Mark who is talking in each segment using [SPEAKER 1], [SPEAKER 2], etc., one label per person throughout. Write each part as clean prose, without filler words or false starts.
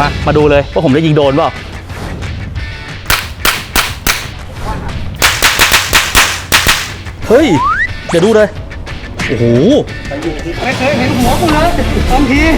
[SPEAKER 1] มาดูเลยว่าผมจะยิงโดนเปล่าเฮ้ยเดี๋ยวดูเลยโอ้โห
[SPEAKER 2] ไม่เคยเห็นหัวกูเลยบางที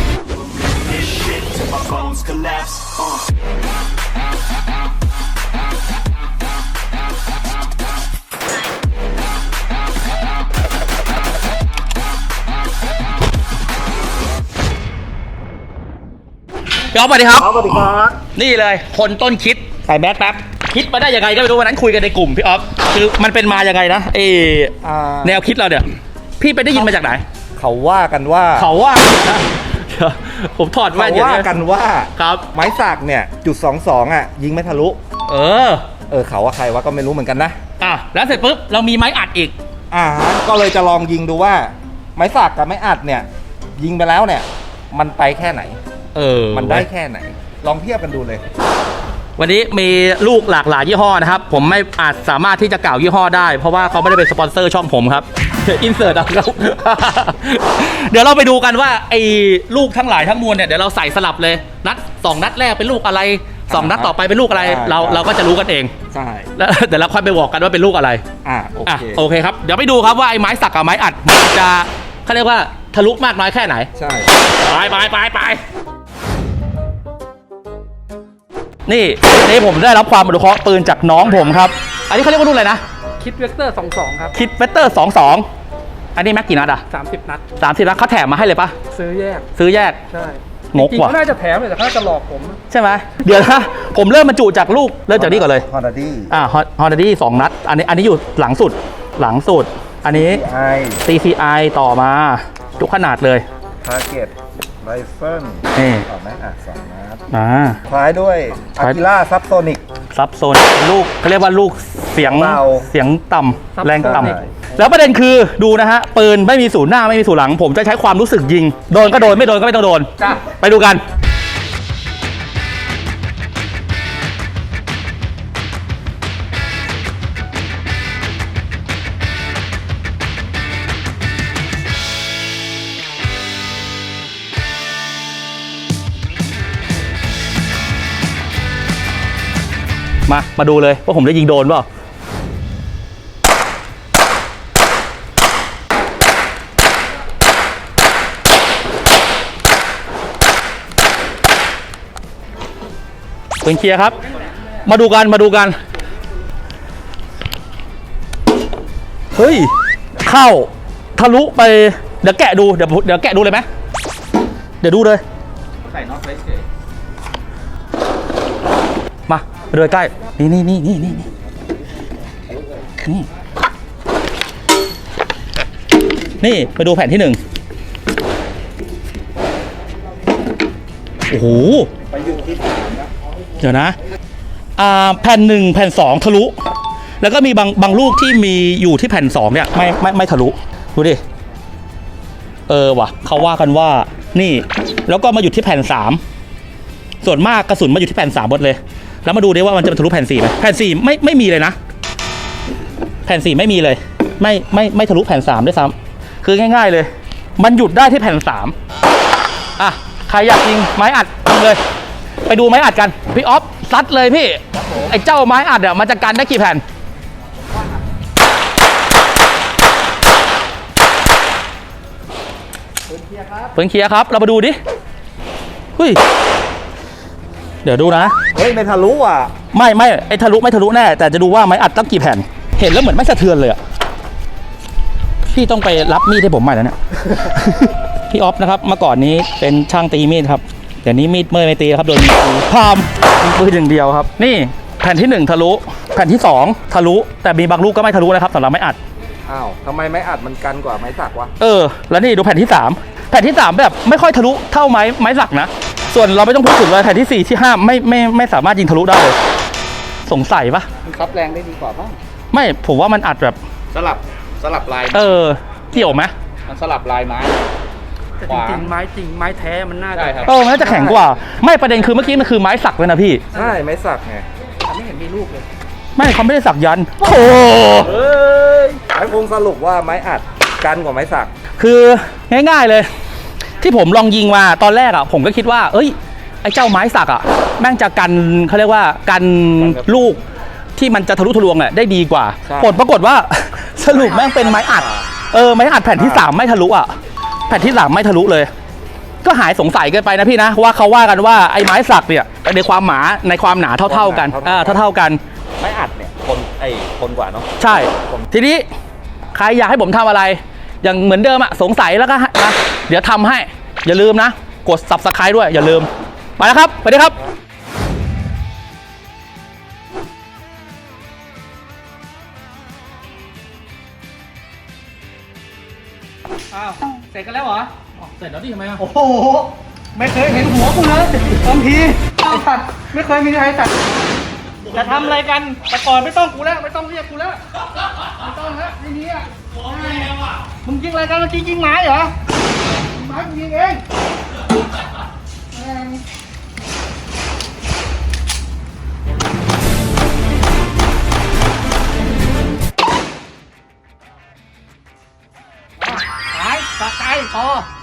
[SPEAKER 1] พี่อ๊อฟสวัสดีครับ
[SPEAKER 2] สวัสดีครับ
[SPEAKER 1] นี่เลยคนต้นคิดใส่แมสแป๊บคิดมาได้ยังไงก็ไม่รู้วันนั้นคุยกันในกลุ่มพี่อ๊อฟคือมันเป็นมายังไงนะแนวคิดเราเนี่ยพี่ไปได้ยินมาจากไหน
[SPEAKER 2] เขาว่ากันว่า
[SPEAKER 1] ผมถอดแว่น
[SPEAKER 2] เขาว่ากันว่า
[SPEAKER 1] ครับ
[SPEAKER 2] ไม้สักเนี่ย.22อ่ะยิงไม่ทะลุเขาว่าใครว่าก็ไม่รู้เหมือนกันนะ
[SPEAKER 1] แล้วเสร็จปุ๊บเรามีไม้อัดอีก
[SPEAKER 2] ก็เลยจะลองยิงดูว่าไม้สักกับไม้อัดเนี่ยยิงไปแล้วเนี่ยมันไปแค่ไหนมันได้แค่ไหนลองเทียบกันดูเลย
[SPEAKER 1] วันนี้มีลูกหลากหลายยี่ห้อนะครับผมไม่อาจสามารถที่จะกล่าวยี่ห้อได้เพราะว่าเขาไม่ได้เป็นสปอนเซอร์ช่องผมครับอินเสิร์ตเอาครับเดี๋ยวเราไปดูกันว่าไอ้ลูกทั้งหลายทั้งมวลเนี่ยเดี๋ยวเราใส่สลับเลย2 นัดแรกเป็นลูกอะไร2 นัดต่อไปเป็นลูกอะไรเราก็จะรู้กันเอง
[SPEAKER 2] ใช่
[SPEAKER 1] แล้วเดี๋ยวเราค่อยไปบอกกันว่าเป็นลูกอะไรโอเคครับเดี๋ยวไปดูครับว่าไอ้ไม้สักกับไม้อัดมันจะเขาเรียกว่าทะลุมากน้อยแค่ไหน
[SPEAKER 2] ใช่
[SPEAKER 1] ไปนี่ผมได้รับความอนุเคราะห์ปืนจากน้องผมครับอันนี้เขาเรียกว่ารุ่นอะไรนะ
[SPEAKER 3] คิดเวกเตอร์22ครับ
[SPEAKER 1] คิดเวกเตอร์22อันนี้แม็กกี่นัด
[SPEAKER 3] 30 นัด
[SPEAKER 1] 30 นัดเขาแถมมาให้เลยปะ
[SPEAKER 3] ซื้อแยก
[SPEAKER 1] ใช่
[SPEAKER 3] งกว่ะน่าจะแถมเลยแต่เขาจะหลอกผม
[SPEAKER 1] ใช่ไหมเดี๋ยวนะผมเริ่มบรรจุจากลูกเริ่มจากนี่ก่อนเลย
[SPEAKER 2] ฮอน
[SPEAKER 1] ด้าดี้2 นัดอันนี้อยู่หลังสุดอันนี้ CCI ต่อมาทุกขนาดเลย
[SPEAKER 2] ทาร์เก็ตไรเฟิลต่อแม็กอัด2 นัดท้ายด้วยอากิล่าซับโซนิก
[SPEAKER 1] ลูกเขาเรียกว่าลูกเสียงต่ำแรงต่ำแล้วประเด็นคือดูนะฮะปืนไม่มีศูนย์หน้าไม่มีศูนย์หลังผมจะใช้ความรู้สึกยิงโดนก็โดนไม่โดนก็ไม่ต้องโดนไปดูกันมาดูเลยว่าผมจะยิงโดนเปล่าเป็นเคลียร์ครับมาดูกันเฮ้ยเข้าทะลุไปเดี๋ยวแกะดูเดี๋ยวแกะดูเลยไหมเดี๋ยวดูเลยใส่น็อตไว้เฉยมาไปดูใกล้นี่ไปดูแผ่นที่1โอ้โห
[SPEAKER 2] ไปอยู่ที่3นะ
[SPEAKER 1] เดี๋ยวนะแผ่น1แผ่น2ทะลุแล้วก็มีบางลูกที่มีอยู่ที่แผ่น2เนี่ยไม่ทะลุดูดิว่ะเขาว่ากันว่านี่แล้วก็มาอยู่ที่แผ่น3ส่วนมากกระสุนมาอยู่ที่แผ่น3หมดเลยแล้วมาดูดิว่ามันจะทะลุแผ่น4ไหมแผ่น4ไม่มีเลยนะแผ่น4ไม่มีเลยไม่ทะลุแผ่น3ด้วยซ้ำคือง่ายๆเลยมันหยุดได้ที่แผ่น3ใครอยากยิงไม้อัดยิงเลยไปดูไม้อัดกันพี่อ๊อฟซัดเลยพี่ไอ้เจ้าไม้อัดมันจะกันได้กี่แผ่นเพิ่งเคลียร์ครับเรามาดูดิเฮ้ยเดี๋ยวดูนะ
[SPEAKER 2] ไม่ทะลุอ่ะ
[SPEAKER 1] ไม่ไอ้ทะลุไม่ทะลุแน่แต่จะดูว่าไม้อัดตั้งกี่แผ่นเห็นแล้วเหมือนไม่สะเทือนเลยอ่ะพี่ต้องไปรับมีดให้ผมใหม่แล้วเนี่ย พี่อ๊อฟนะครับเมื่อก่อนนี้เป็นช่างตีมีดครับเดี๋ยวนี้มีดไม่ตีครับโดนพามปืนอย่างเดียวครับนี่แผ่นที่1ทะลุแผ่นที่2ทะลุแต่มีบางลูกก็ไม่ทะลุนะครับสำหรับไม้อัด
[SPEAKER 2] ทำไมไม้อัดมันกันกว่าไม้สักวะ
[SPEAKER 1] แล้วนี่ดูแผ่นที่3แผ่นที่3แบบไม่ค่อยทะลุเท่าไม้สักนะส่วนเราไม่ต้องพูดถึงเลยแผ่นที่4ที่5ไม่สามารถยิงทะลุได้เลยสงสัยปะ
[SPEAKER 2] มันคับแรงได้ดีกว่าป่ะ
[SPEAKER 1] ไม่ผมว่ามันอัดแบบ
[SPEAKER 2] สลับลาย
[SPEAKER 1] เกี่ยวไหม
[SPEAKER 2] มันสลับลายไม้
[SPEAKER 3] จริงไม้แท้มันน่าจะ
[SPEAKER 1] มันน่าจะแข็งกว่าไม่ประเด็นคือเมื่อกี้มันคือไม้สักเลยนะพี่
[SPEAKER 2] ใช่ไม้สักไง
[SPEAKER 3] ไม่เห็นมีลูกเลย
[SPEAKER 1] ไม่เขาไม่ได้สักยันโอ้
[SPEAKER 2] ไอ้คงสรุปว่าไม้อัดกันกว่าไม้สัก
[SPEAKER 1] คือง่ายๆเลยที่ผมลองยิงมาตอนแรกผมก็คิดว่าไอ้เจ้าไม้สักอ่ะแม่งจะกันเขาเรียกว่ากันลูกที่มันจะทะลุทะลวงอ่ะได้ดีกว่า
[SPEAKER 2] ใช่
[SPEAKER 1] ผลปรากฏว่า สรุปแม่งเป็นไม้อัดไม้อัดแผ่นที่ 3 ไม่ทะลุอ่ะแผ่นที่ 3 ไม่ทะลุเลย ก็หายสงสัยกันไปนะพี่นะว่าเขาว่ากันว่าไอ้ไม้สักเนี่ยในความหนาเท่าๆกันเท่าๆกัน
[SPEAKER 2] ไม้อัดเนี่ยทนกว่าเนาะ
[SPEAKER 1] ใช่ ทีนี้ใครอยากให้ผมทำอะไร อย่างเหมือนเดิมอะสงสัยแล้วก็นะเดี๋ยวทำให้ อย่าลืมนะ กด subscribe ด้วยอย่าลืม ไปแล้วครับ ไปเลยครับอ้าวเสร็จกันแล้วเหรอเสร็จแล้วดิทำไมอะ
[SPEAKER 3] โอ้โห ไม่เคยเห็นหัวกูเลยบางทีไอ้สัตว์ไม่เคยมีใครสัตว์จะทำอะไรกันแต่ก่อนไม่ต้องกูแล้วไม่ต้องเรียกกูแล้วไม่ต้องฮะทีนี้อ่ะมึงยิงอะไรกันเมื่อกี้ยิงไม้เหรอไม้กูยิงเองหายสะใจพอ